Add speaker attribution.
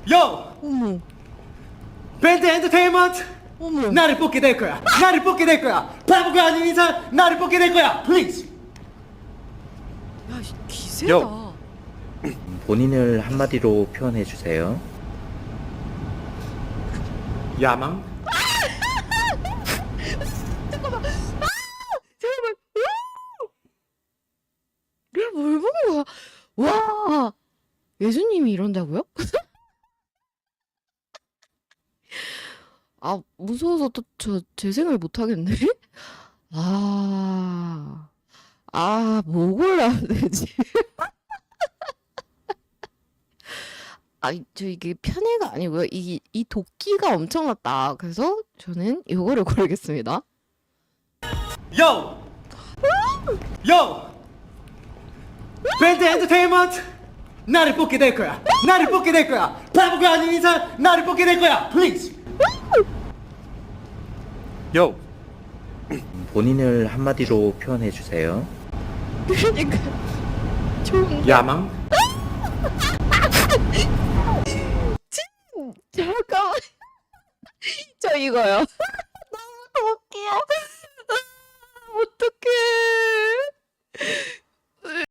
Speaker 1: 요!
Speaker 2: 어머,
Speaker 1: 밴드 엔터테인먼트!
Speaker 2: 어머.
Speaker 1: 나를 뽑게 될 거야! 나를 뽑게 될 거야! 바보가 아닌 이상 나를 뽑게 될 거야! 플리즈!
Speaker 2: 야, 기세다.
Speaker 3: 본인을 한마디로 표현해 주세요.
Speaker 1: 야망?
Speaker 2: 잠깐만. 내가 뭘 본 거야? 와, 예수님이 이런다고요? 아, 무서워서 또 저 재생을 못 하겠네. 뭐 골라야 되지? 저 이게 편애가 아니고요. 이 도끼가 엄청났다. 그래서 저는 이거를 고르겠습니다.
Speaker 1: 요! 요! 밴드 엔터테인먼트! 나를 뽑게 될 거야! 나를 뽑게 될 거야! 바보가 아닌 이상 나를 뽑게 될 거야! 플리즈! 요!
Speaker 3: 본인을 한마디로 표현해 주세요.
Speaker 2: 그러니까 좋은
Speaker 1: 야망?
Speaker 2: 잠깐만. 저 이거요.